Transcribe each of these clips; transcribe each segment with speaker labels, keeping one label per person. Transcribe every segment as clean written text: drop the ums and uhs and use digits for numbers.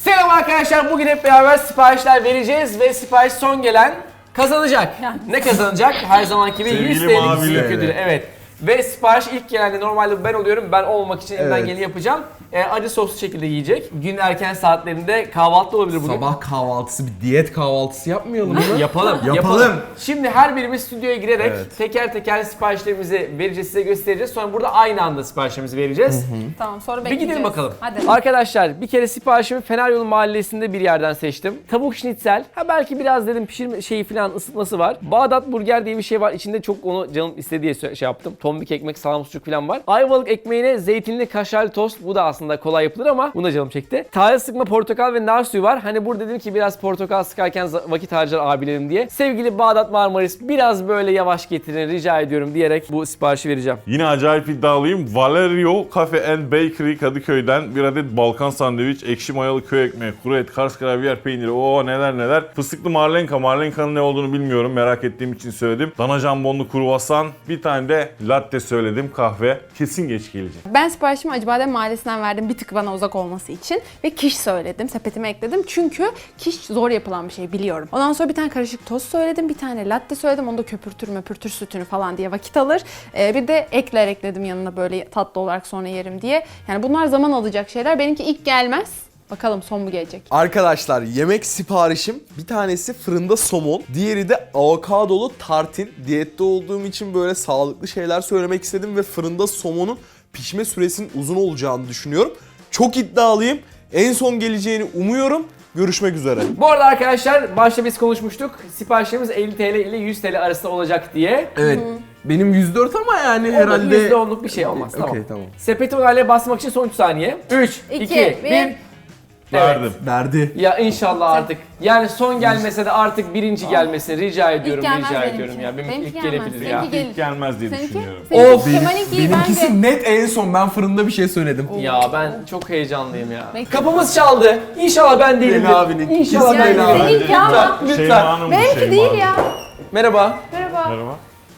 Speaker 1: Selam arkadaşlar, bugün hep beraber siparişler vereceğiz ve sipariş son gelen kazanacak. Ne kazanacak? Her zamanki gibi 100 TL'lik büyük ödülü. Evet. Ve sipariş ilk gelende normalde ben oluyorum. Ben olmamak için elimden geleni yapacağım. Acı soslu şekilde yiyecek. Gün erken saatlerinde kahvaltı olabilir bugün.
Speaker 2: Sabah kahvaltısı, bir diyet kahvaltısı yapmayalım mı?
Speaker 1: Yapalım. Şimdi her birimiz stüdyoya girerek teker teker siparişlerimizi vereceğiz, size göstereceğiz. Sonra burada aynı anda siparişlerimizi vereceğiz.
Speaker 3: Tamam, sonra
Speaker 1: Bir
Speaker 3: bekleyeceğiz.
Speaker 1: gidelim bakalım.
Speaker 3: Hadi.
Speaker 1: Arkadaşlar bir kere siparişimi Feneryolu Mahallesi'nde bir yerden seçtim. Tavuk şnitzel. Belki biraz dedim pişirme şeyi falan ısıtması var. Bağdat burger diye bir şey var. İçinde çok onu canım istediği şey yaptım. Tombik ekmek, salam sucuk falan var. Ayvalık ekmeğine zeytinli kaşarlı tost. Bu da aslında kolay yapılır ama buna canım çekti. Taze sıkma portakal ve nar suyu var. Hani burada dedim ki biraz portakal sıkarken vakit harcar abilerim diye. Sevgili Bağdat Marmaris biraz böyle yavaş getirin rica ediyorum diyerek bu siparişi vereceğim.
Speaker 4: Yine acayip iddialıyım. Valerio Cafe and Bakery Kadıköy'den bir adet Balkan sandviç, ekşi mayalı köy ekmeği, kuru et, Kars gravyer peyniri, neler neler. Fıstıklı marlenka. Marlenka'nın ne olduğunu bilmiyorum. Merak ettiğim için söyledim. Dana jambonlu kruvasan, bir tane de latte söyledim, kahve. Kesin geç gelecek.
Speaker 3: Ben siparişimi Acıbadem Mahallesi'nden verdim bir tık bana uzak olması için ve kiş söyledim, sepetime ekledim çünkü kiş zor yapılan bir şey biliyorum. Ondan sonra bir tane karışık tost söyledim, bir tane latte söyledim, onu da köpürtür sütünü falan diye vakit alır. Bir de ekler ekledim yanına böyle tatlı olarak sonra yerim diye. Yani bunlar zaman alacak şeyler, benimki ilk gelmez. Bakalım son mu gelecek?
Speaker 2: Arkadaşlar yemek siparişim bir tanesi fırında somon, diğeri de avokadolu tartin. Diyette olduğum için böyle sağlıklı şeyler söylemek istedim ve fırında somonun pişme süresinin uzun olacağını düşünüyorum. Çok iddialıyım. En son geleceğini umuyorum. Görüşmek üzere.
Speaker 1: Bu arada arkadaşlar başta biz konuşmuştuk. Siparişlerimiz 50 TL ile 100 TL arasında olacak diye.
Speaker 2: Evet. Benim 104 ama yani herhalde...
Speaker 1: %10'luk bir şey olmaz.
Speaker 2: Okey, tamam.
Speaker 1: Sepeti onayla basmak için son 3 saniye. 3, 2, 1.
Speaker 4: Verdim.
Speaker 2: Verdi.
Speaker 1: Ya inşallah artık. Yani son gelmese de artık birinci gelmesi rica ediyorum,
Speaker 3: gelmez
Speaker 1: rica
Speaker 3: benimki.
Speaker 1: ediyorum ya. Benim
Speaker 3: Benimki
Speaker 1: ilk
Speaker 3: gelmez.
Speaker 1: gelebilir ya.
Speaker 3: Seninki gelir.
Speaker 4: İlk gelmez diye
Speaker 3: Seninki?
Speaker 4: düşünüyorum.
Speaker 1: Of.
Speaker 3: Kemal'inki
Speaker 2: Benimkisi
Speaker 3: bence.
Speaker 2: net en son. Ben fırında bir şey söyledim.
Speaker 1: Ya ben çok heyecanlıyım ya.
Speaker 3: Bekle.
Speaker 1: Kapımız çaldı. İnşallah ben değilim.
Speaker 2: Leyla abinin.
Speaker 1: İnşallah ben
Speaker 2: Leyla
Speaker 1: değilim.
Speaker 2: abi.
Speaker 3: Seninki ama.
Speaker 1: Lütfen.
Speaker 4: Şeyma'nın bu,
Speaker 3: Benimki
Speaker 4: Şeyma'nın.
Speaker 3: değil ya.
Speaker 1: Merhaba.
Speaker 3: Merhaba.
Speaker 4: Merhaba.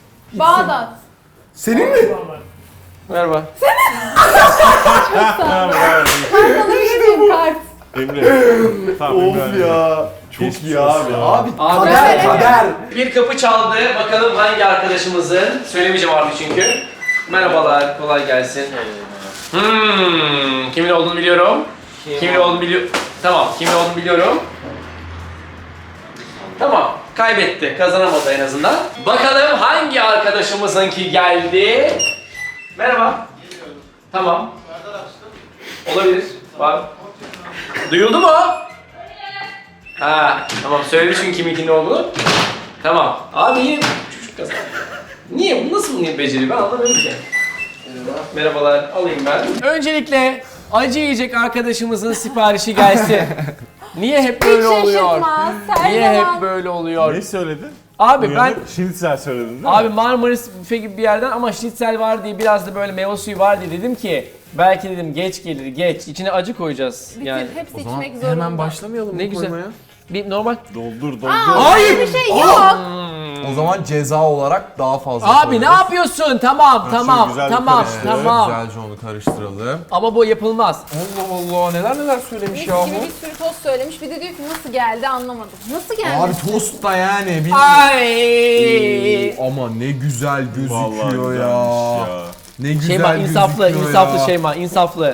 Speaker 3: Bağdat.
Speaker 2: Senin mi?
Speaker 1: Merhaba.
Speaker 3: Sana bir kart.
Speaker 4: Emre. Tamam, Emre.
Speaker 2: Of ya. Çok
Speaker 4: Geçmiş
Speaker 2: iyi
Speaker 4: olsun
Speaker 2: abi.
Speaker 4: ya.
Speaker 2: Abi
Speaker 1: Kader,
Speaker 2: kader.
Speaker 1: Bir kapı çaldı. Bakalım hangi arkadaşımızın? Söylemeyeceğim artık çünkü. Merhabalar, kolay gelsin. Kimin olduğunu biliyorum. Kimin olduğunu biliyorum. Tamam, kimin olduğunu biliyorum. Tamam, kaybetti. Kazanamadı en azından. Bakalım hangi arkadaşımızınki geldi? Merhaba. Tamam. Olabilir. Var. Duyuldu mu? Ha, tamam söyledi çünkü kiminkinin olduğunu. Tamam. Abi yine çocuk kazandı. Niye? Bu nasıl bunu beceri? Ben anlamıyorum ki. Merhabalar. Alayım ben. Öncelikle acı yiyecek arkadaşımızın siparişi gelsin. Niye hep böyle oluyor?
Speaker 3: Şaşırtmaz. Her
Speaker 1: Niye
Speaker 3: zaman.
Speaker 1: hep böyle oluyor?
Speaker 4: Ne söyledin?
Speaker 1: Abi ben
Speaker 4: Şinitzel söyledin değil mi?
Speaker 1: Abi Marmaris büfe gibi bir yerden ama schnitzel var diye biraz da böyle meyve suyu var diye dedim ki belki dedim geç gelir geç. İçine acı koyacağız yani.
Speaker 3: Hepsi
Speaker 2: O zaman
Speaker 3: içmek zorunda.
Speaker 2: hemen başlamayalım
Speaker 1: Ne
Speaker 2: mı
Speaker 1: güzel.
Speaker 2: koymaya?
Speaker 1: Bir normal.
Speaker 4: Doldur.
Speaker 2: Hayır.
Speaker 3: Bir şey yok.
Speaker 2: O zaman ceza olarak daha fazla
Speaker 1: Abi
Speaker 2: koyarız.
Speaker 1: ne yapıyorsun? Tamam tamam
Speaker 4: güzel bir
Speaker 1: tamam
Speaker 4: karıştır.
Speaker 1: tamam.
Speaker 2: Güzelce onu karıştıralım.
Speaker 1: Ama bu yapılmaz.
Speaker 2: Allah Allah neler söylemiş
Speaker 3: Mis
Speaker 2: ya
Speaker 3: gibi bir sürü tost söylemiş. Bir de diyor ki nasıl geldi anlamadım. Nasıl geldi?
Speaker 2: Abi tost da yani.
Speaker 1: Ay.
Speaker 2: Ama ne güzel
Speaker 4: Vallahi
Speaker 2: gözüküyor
Speaker 4: güzelmiş
Speaker 2: ya. Ne güzel
Speaker 1: Şeyma insaflı,
Speaker 2: gözüküyor
Speaker 1: insaflı
Speaker 2: ya.
Speaker 1: Şeyma, insaflı.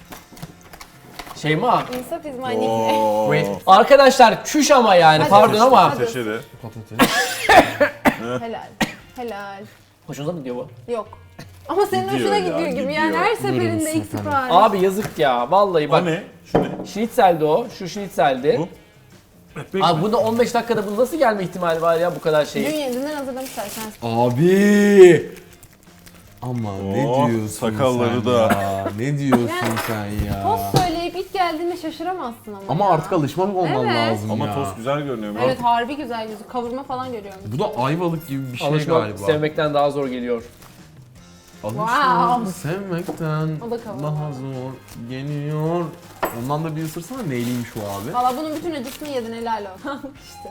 Speaker 1: Şeyma.
Speaker 3: İnsaf is my nickname.
Speaker 1: Wait. Arkadaşlar çüş ama yani
Speaker 3: Hadi.
Speaker 1: pardon ama.
Speaker 4: Ateşe de.
Speaker 3: Helal. Helal.
Speaker 1: Hoşunuza mı gidiyor bu?
Speaker 3: Yok. Ama senin
Speaker 4: Gidiyor
Speaker 3: hoşuna
Speaker 4: ya,
Speaker 3: gidiyor gibi.
Speaker 4: gidiyor.
Speaker 3: Yani her seferinde
Speaker 2: Buyurun
Speaker 3: ilk
Speaker 2: efendim.
Speaker 3: sipariş.
Speaker 1: Abi yazık ya vallahi bak.
Speaker 4: O ne? Şu ne?
Speaker 1: Schnitzel'di o. Şu schnitzel'di.
Speaker 4: Bu? Ekmek
Speaker 1: Abi
Speaker 4: mi?
Speaker 1: bunda 15 dakikada bu nasıl gelme ihtimali var ya bu kadar
Speaker 3: Dün
Speaker 1: şey.
Speaker 3: yeniden hazırlamışlar sen.
Speaker 2: Abi. Ama ne
Speaker 4: Oh,
Speaker 2: diyorsun
Speaker 4: sakalları
Speaker 2: sen
Speaker 4: da.
Speaker 2: ya? Ne diyorsun
Speaker 3: Yani
Speaker 2: sen ya?
Speaker 3: Tost söyleyip ilk geldiğinde şaşıramazsın ama.
Speaker 2: Ama
Speaker 3: ya.
Speaker 2: artık alışmak olman
Speaker 3: Evet.
Speaker 2: lazım
Speaker 4: Ama
Speaker 2: ya.
Speaker 4: tost güzel görünüyor.
Speaker 3: Evet harbi güzel yüzü. Kavurma falan görüyorum.
Speaker 2: Bu da ayvalık gibi bir şey
Speaker 1: Alışmak
Speaker 2: galiba.
Speaker 1: sevmekten daha zor geliyor.
Speaker 2: Alışmak
Speaker 3: Wow.
Speaker 2: sevmekten
Speaker 3: O da kavurma.
Speaker 2: daha zor geliyor. Ondan da bir ısırsana neyliymiş o abi?
Speaker 3: Valla bunun bütün acısını yedin helal olsun. işte.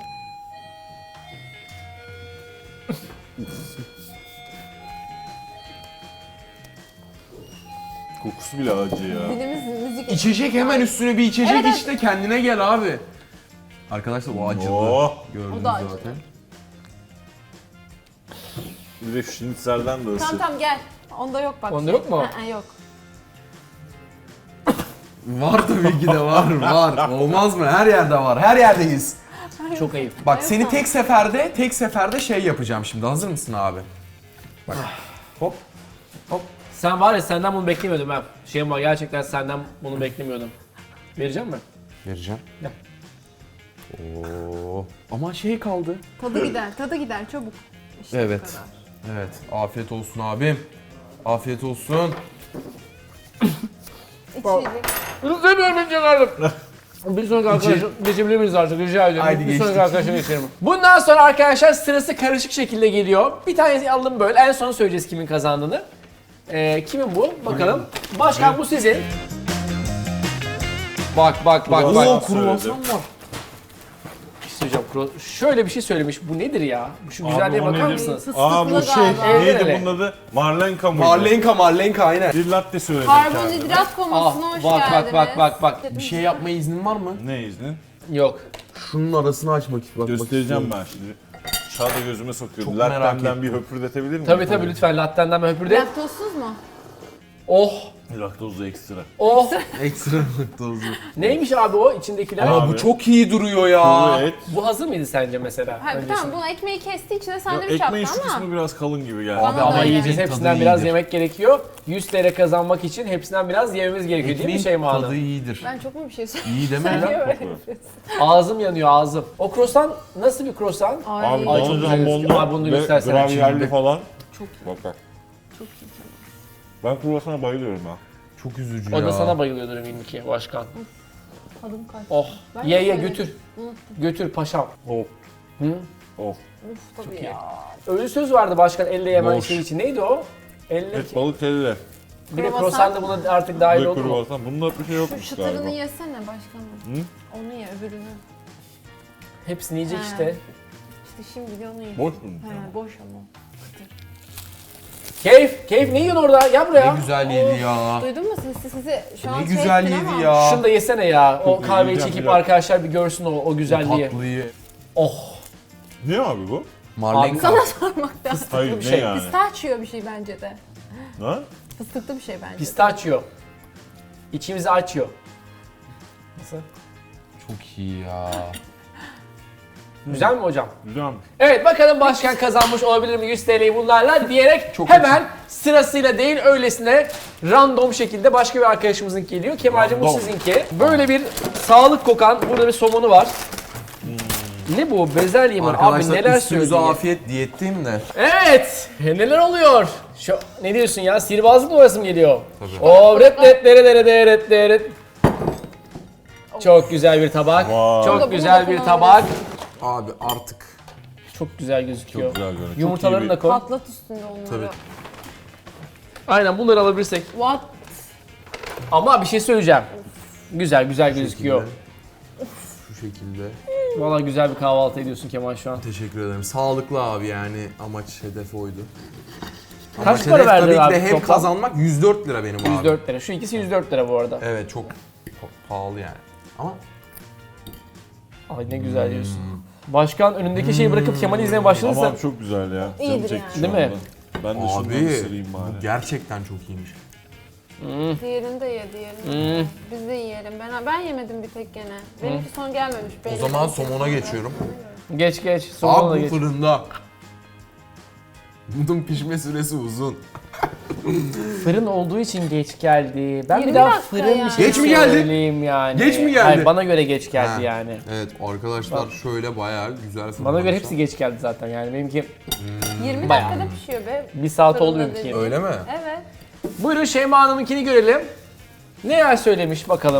Speaker 4: Kokusu bile acı ya.
Speaker 3: Dilimiz müzik.
Speaker 2: İçecek hemen üstüne bir içecek
Speaker 3: Evet,
Speaker 2: iç de kendine gel abi. Arkadaşlar o acılı.
Speaker 4: Oh.
Speaker 2: Gördünüz
Speaker 3: O da acılı.
Speaker 2: zaten.
Speaker 4: Bir de şinitselden de ısır.
Speaker 3: Tamam gel. Onda yok bak.
Speaker 1: Onda yok mu?
Speaker 3: Yok.
Speaker 2: Var tabii ki de var. Olmaz mı? Her yerde var. Her yerdeyiz.
Speaker 1: Çok ayıp.
Speaker 2: Bak seni tek seferde şey yapacağım şimdi. Hazır mısın abi? Bak. Hop.
Speaker 1: Sen var ya senden bunu beklemiyordum ben. Şeyim var gerçekten senden bunu beklemiyordum. Vereceğim mi?
Speaker 2: Vereceğim.
Speaker 1: Gel.
Speaker 2: Oo. Ama şey kaldı.
Speaker 3: Tadı gider çabuk. İşte
Speaker 2: Evet.
Speaker 3: bu kadar.
Speaker 2: Evet. Afiyet olsun abim. Afiyet olsun.
Speaker 3: İçecek.
Speaker 1: Üzülmüyorum ben canlarım. Bir sonraki arkadaşa geçebilir miyiz artık rica ediyorum.
Speaker 2: Haydi
Speaker 1: bir
Speaker 2: geçtik.
Speaker 1: sonraki arkadaşa geçelim. Bundan sonra arkadaşlar sırası karışık şekilde geliyor. Bir tanesi aldım böyle en son söyleyeceğiz kimin kazandığını. Kimin bu? Bakalım. Başkan bu sizin. Bak.
Speaker 4: Kruvasan
Speaker 2: kruvasan
Speaker 4: söyledim.
Speaker 2: var.
Speaker 1: Bir şey söyleyeceğim. Şöyle bir şey söylemiş. Bu nedir ya? Şu güzelliğe
Speaker 4: o
Speaker 1: bakar
Speaker 4: nedir?
Speaker 1: mısınız?
Speaker 4: Aa bu
Speaker 3: Fıstıklı
Speaker 4: şey,
Speaker 3: galiba.
Speaker 1: Evet.
Speaker 4: neydi bunun adı? Marlenka mıydı?
Speaker 2: Marlenka aynen.
Speaker 4: Bir latte söyledim kendime.
Speaker 3: Karbonhidrat konusuna hoş geldiniz.
Speaker 1: Bak.
Speaker 2: Bir şey yapmaya iznin var mı?
Speaker 4: Ne iznin?
Speaker 1: Yok.
Speaker 2: Şunun arasını açmak istiyorum.
Speaker 4: Göstereceğim ben şimdi. Çağda gözüme sokuyordu.
Speaker 2: Çok merak
Speaker 4: Lattemden bir höpürdetebilir miyim?
Speaker 1: Tabii lütfen lattenden ben höpürde.
Speaker 3: Laktozsuz mu?
Speaker 1: Oh.
Speaker 4: Laktozlu ekstra.
Speaker 1: Oh.
Speaker 2: Ekstra laktozlu.
Speaker 1: Neymiş abi o içindekiler?
Speaker 2: Ama
Speaker 4: Abi.
Speaker 2: bu çok iyi duruyor ya.
Speaker 4: Kuru et.
Speaker 1: Bu hazır mıydı sence mesela?
Speaker 3: Hayır,
Speaker 1: öncesinde?
Speaker 3: tamam bunu ekmeği kesti içine
Speaker 4: Ya
Speaker 3: sandviç yaptı
Speaker 4: ekmeğin şu
Speaker 3: ama.
Speaker 4: kısmı biraz kalın gibi geldi.
Speaker 3: Bana da
Speaker 1: Ama
Speaker 3: öyle.
Speaker 1: yiyeceğiz
Speaker 2: Tadı
Speaker 1: hepsinden biraz
Speaker 2: iyidir.
Speaker 1: yemek gerekiyor. 100 TL kazanmak için hepsinden biraz yememiz gerekiyor değil mi
Speaker 2: Ekmeğin
Speaker 1: Şeyma
Speaker 2: tadı
Speaker 1: Hanım?
Speaker 2: iyidir.
Speaker 3: Ben çok mu bir şey söyleyeyim?
Speaker 2: İyi deme
Speaker 3: Niye
Speaker 2: lan.
Speaker 3: böyle yapıyorsun?
Speaker 1: Ağzım yanıyor ağzım. O croissant nasıl bir croissant?
Speaker 4: Abi
Speaker 1: Ay, çok
Speaker 4: bana
Speaker 1: güzel gözüküyor. Abi
Speaker 4: jambonlu
Speaker 1: bunu
Speaker 4: ve
Speaker 1: göstersene
Speaker 4: gravyerli
Speaker 1: şimdi.
Speaker 4: falan.
Speaker 3: Çok
Speaker 4: Bak bak.
Speaker 3: Çok iyi.
Speaker 4: Ben kruvasana bayılıyorum ha.
Speaker 2: Çok üzücü
Speaker 1: O
Speaker 2: ya.
Speaker 1: da sana bayılıyordur eminim ki başkan.
Speaker 3: Tadım kaç.
Speaker 1: Oh.
Speaker 3: Ben de
Speaker 1: Ye
Speaker 3: söyledim.
Speaker 1: götür.
Speaker 3: Unuttum.
Speaker 1: Götür paşam.
Speaker 4: Of.
Speaker 1: Hı?
Speaker 4: Of.
Speaker 3: Uf tabii
Speaker 1: iyi.
Speaker 3: ya.
Speaker 1: Öyle söz vardı başkan elle yemen
Speaker 2: Boş.
Speaker 1: şey için. Neydi o? Elle
Speaker 4: Et balık elle.
Speaker 1: bir de
Speaker 3: Kruvasan.
Speaker 1: croissant da buna artık dahil
Speaker 4: Ve
Speaker 1: oldu mu?
Speaker 4: kruvasan. Bunda bir şey
Speaker 3: Şu
Speaker 4: yokmuş
Speaker 3: çıtırını
Speaker 4: galiba.
Speaker 3: yesene başkanım.
Speaker 4: Hı?
Speaker 3: Onu ye öbürünü.
Speaker 1: Hepsini yiyecek
Speaker 3: Ha.
Speaker 1: işte.
Speaker 3: İşte şimdi de onu ye.
Speaker 4: Boş mu?
Speaker 3: He boş ama.
Speaker 1: Keyif ne yiyorsun orada? Gel buraya.
Speaker 2: Ne güzel yedi ya.
Speaker 3: Duydun mu sizi şu an
Speaker 2: Ne
Speaker 3: şey
Speaker 2: güzel
Speaker 3: ettin
Speaker 2: yedi
Speaker 3: ama.
Speaker 2: ya.
Speaker 1: Şunu da yesene ya. O
Speaker 4: Çok iyi,
Speaker 1: kahveyi
Speaker 4: yiyeceğim
Speaker 1: çekip
Speaker 4: biraz.
Speaker 1: arkadaşlar bir görsün o güzelliği.
Speaker 2: Tatlıyı.
Speaker 1: Oh.
Speaker 4: Ne abi bu?
Speaker 2: Marlenka.
Speaker 3: Sana sormaktan.
Speaker 4: Hayır
Speaker 1: bir
Speaker 4: ne
Speaker 1: şey.
Speaker 4: yani?
Speaker 3: Pistachio bir şey bence de.
Speaker 4: Ha?
Speaker 3: Fıstıklı bir şey bence.
Speaker 1: Pistachio. İçimizi açıyor. Nasıl?
Speaker 2: Çok iyi ya.
Speaker 1: Güzel mi hocam?
Speaker 4: Güzel mi?
Speaker 1: Evet bakalım başkan kazanmış olabilir mi 100 TL'yi bunlarla diyerek
Speaker 2: Çok
Speaker 1: hemen sırasıyla değil öylesine random şekilde başka bir arkadaşımızın geliyor. Kemal'cim bu
Speaker 2: Random.
Speaker 1: sizinki. Böyle bir sağlık kokan burada bir somonu var. Ne bu? Bezelye mi? Abi
Speaker 2: Arkadaşlar
Speaker 1: neler
Speaker 2: üstünüze
Speaker 1: söylüyor?
Speaker 2: afiyet diyetteyim de.
Speaker 1: Evet. Neler oluyor? Şu, ne diyorsun ya? Sihirbazlık numarası mı geliyor?
Speaker 2: Tabii.
Speaker 1: O ret. Çok güzel bir tabak.
Speaker 4: Vay.
Speaker 1: Çok
Speaker 3: Bunu
Speaker 1: güzel
Speaker 3: da
Speaker 1: bir
Speaker 3: kullanabiliriz.
Speaker 1: tabak.
Speaker 2: Abi artık.
Speaker 1: Çok güzel gözüküyor.
Speaker 4: Çok güzel görünüyor. Çok iyi
Speaker 1: Yumurtalarını
Speaker 4: bir-
Speaker 1: da koy.
Speaker 3: Patlat üstünde onları.
Speaker 2: Tabii.
Speaker 1: Aynen bunları alabilirsek.
Speaker 3: What?
Speaker 1: Ama bir şey söyleyeceğim. Güzel gözüküyor.
Speaker 2: Şu şekilde.
Speaker 1: Vallahi güzel bir kahvaltı ediyorsun Kemal şu an.
Speaker 2: Teşekkür ederim. Sağlıklı abi yani amaç hedef oydu.
Speaker 1: Kaç
Speaker 2: Amaç
Speaker 1: para
Speaker 2: hedef
Speaker 1: verdin
Speaker 2: tabii
Speaker 1: abi
Speaker 2: ki de hep
Speaker 1: toplam?
Speaker 2: kazanmak 104 lira benim abi.
Speaker 1: 104 lira. Şu ikisi 104 lira bu arada.
Speaker 2: Evet çok pahalı yani. Ama
Speaker 1: Ay ne güzel diyorsun. Başkan önündeki şeyi bırakıp Kemal'i izlemeye başladıysa
Speaker 4: Ama çok güzel ya. Canım
Speaker 3: İyidir
Speaker 4: çekti şu
Speaker 1: yani. Değil mi?
Speaker 4: anda. Ben de şundan
Speaker 2: abi
Speaker 4: ısırayım bari.
Speaker 2: bu gerçekten çok iyiymiş.
Speaker 3: Diğerini de ye, diğerini de ye. Biz de yiyelim. Ben yemedim bir tek gene. Benimki son gelmemiş.
Speaker 2: O zaman somona geçiyorum.
Speaker 1: geç. Sonuna da
Speaker 2: Abi bu
Speaker 1: geç.
Speaker 2: fırında. Bunun pişme süresi uzun.
Speaker 1: Fırın olduğu için geç geldi. Ben
Speaker 3: 20
Speaker 1: bir daha
Speaker 3: dakika
Speaker 1: fırın
Speaker 3: yani.
Speaker 1: bir şey
Speaker 2: Geç mi geldi?
Speaker 1: söyleyeyim yani.
Speaker 2: Geç mi geldi?
Speaker 1: Hayır bana göre geç geldi
Speaker 2: Ha.
Speaker 1: yani.
Speaker 2: Evet arkadaşlar şöyle bayağı güzel fırın.
Speaker 1: Bana göre hepsi geç geldi zaten yani. Benimki
Speaker 3: 20
Speaker 1: Bayağı.
Speaker 3: dakikada pişiyor be.
Speaker 1: bir saat
Speaker 3: Fırında
Speaker 1: oldu benimki.
Speaker 3: dediğin.
Speaker 2: Öyle mi?
Speaker 3: Evet.
Speaker 1: Buyurun Şeyma Hanım'ınkini görelim. Neler söylemiş bakalım.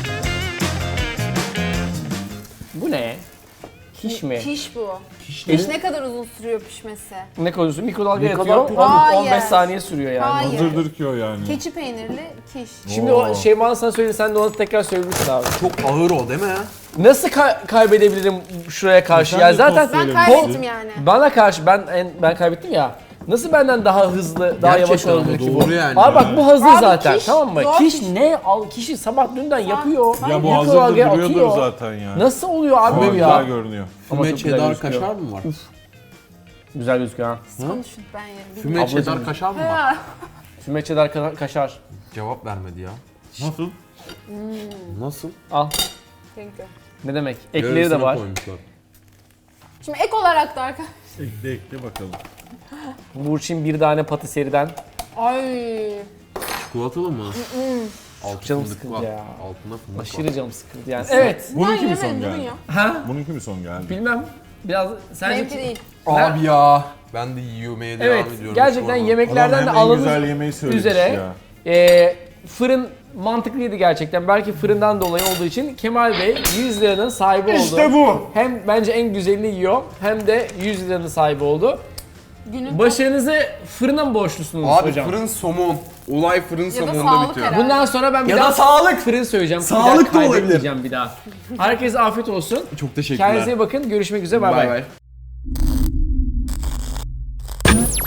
Speaker 1: Bu ne? Kiş mi?
Speaker 3: Kiş bu.
Speaker 2: Kiş
Speaker 3: Kiş ne kadar uzun sürüyor pişmesi?
Speaker 1: Ne koyuyorsun? Mikrodalga
Speaker 2: Ne
Speaker 1: yatıyor.
Speaker 2: kadar-
Speaker 3: Hayır.
Speaker 1: 15 saniye sürüyor yani.
Speaker 3: Hayır.
Speaker 4: Hazırdır ki o yani.
Speaker 3: Keçi peynirli kiş.
Speaker 1: Şimdi o Şeyma Hanım sana söyledi sen de onu tekrar söylemişsin abi.
Speaker 2: Çok ağır o değil mi?
Speaker 1: Nasıl kaybedebilirim şuraya karşı?
Speaker 4: Sen
Speaker 1: ya
Speaker 4: de
Speaker 1: zaten
Speaker 4: tost
Speaker 3: Ben
Speaker 4: söylemişsin.
Speaker 3: kaybettim yani.
Speaker 1: bana karşı ben kaybettim ya. Nasıl benden daha hızlı, daha yavaş
Speaker 2: Gerçekten
Speaker 1: olabilir
Speaker 2: ama
Speaker 1: ki bu?
Speaker 2: doğru yani.
Speaker 1: Abi bak bu hazır
Speaker 3: Abi
Speaker 1: zaten,
Speaker 3: kiş,
Speaker 1: tamam mı?
Speaker 3: zor
Speaker 1: Kiş
Speaker 3: kiş.
Speaker 1: ne? Kişi sabah dünden yapıyor.
Speaker 4: Ya bu
Speaker 1: Mikrodalgaya
Speaker 4: hazırda duruyordur
Speaker 1: atıyor.
Speaker 4: zaten ya.
Speaker 1: Nasıl oluyor abi
Speaker 4: Ama
Speaker 1: bu
Speaker 4: güzel
Speaker 1: ya?
Speaker 4: görünüyor.
Speaker 1: Ama
Speaker 2: Füme
Speaker 1: çok güzel
Speaker 2: cheddar
Speaker 1: gözüküyor.
Speaker 2: kaşar mı var?
Speaker 1: Güzel gözüküyor ha.
Speaker 3: Konuşun ben yerim.
Speaker 2: Füme
Speaker 1: Ablacığım.
Speaker 2: cheddar kaşar mı var?
Speaker 3: Ha.
Speaker 1: Füme cheddar kaşar.
Speaker 2: Cevap vermedi ya.
Speaker 4: Nasıl?
Speaker 2: Nasıl?
Speaker 1: Al.
Speaker 3: Thank you.
Speaker 1: Ne demek? Ekleri de
Speaker 2: Yarısına
Speaker 1: var.
Speaker 2: koymuşlar.
Speaker 3: Şimdi ek olarak da arkadaşlar.
Speaker 4: Ekle bakalım.
Speaker 1: Burçin bir tane patiseriden.
Speaker 3: Ay.
Speaker 2: Çikolatalı mı? Altı
Speaker 1: Canım
Speaker 2: fındık
Speaker 1: sıkıldı
Speaker 2: var.
Speaker 1: ya.
Speaker 2: Altında fındık var.
Speaker 1: Aşırı canım sıkıldı yani. Evet.
Speaker 4: Bununki mi
Speaker 3: Ben
Speaker 4: son
Speaker 3: yemedim
Speaker 4: geldi?
Speaker 3: ya.
Speaker 1: Ha?
Speaker 4: Bununki mi son geldi?
Speaker 1: Bilmem. Biraz sence...
Speaker 3: Benimki değil.
Speaker 2: Abi ya. Ben de yemeye devam
Speaker 1: Evet.
Speaker 2: ediyorum.
Speaker 1: Gerçekten
Speaker 2: Şu an.
Speaker 1: yemeklerden de
Speaker 4: Adam hem en
Speaker 1: aldığımız
Speaker 4: güzel yemeği söylemiş
Speaker 1: üzere
Speaker 4: ya.
Speaker 1: fırın mantıklıydı gerçekten. Belki fırından dolayı olduğu için Kemal Bey 100 liranın sahibi oldu.
Speaker 4: İşte bu.
Speaker 1: Hem bence en güzelini yiyor hem de 100 liranın sahibi oldu.
Speaker 3: Günün
Speaker 1: Başarınızı fırına mı borçlusunuz
Speaker 2: Abi
Speaker 1: hocam?
Speaker 2: fırın somon. Olay fırın somonda
Speaker 3: sağlık
Speaker 2: bitiyor.
Speaker 3: herhalde.
Speaker 1: Bundan sonra ben bir
Speaker 2: Ya
Speaker 1: daha
Speaker 2: da sağlık.
Speaker 1: fırın söyleyeceğim. Bir
Speaker 2: Sağlık
Speaker 1: daha
Speaker 2: da olabilir.
Speaker 1: kaydetmeyeceğim bir daha. Herkese afiyet olsun.
Speaker 2: Çok teşekkürler.
Speaker 1: Kendinize iyi bakın. Görüşmek üzere. Bay bay.
Speaker 2: Bay bay.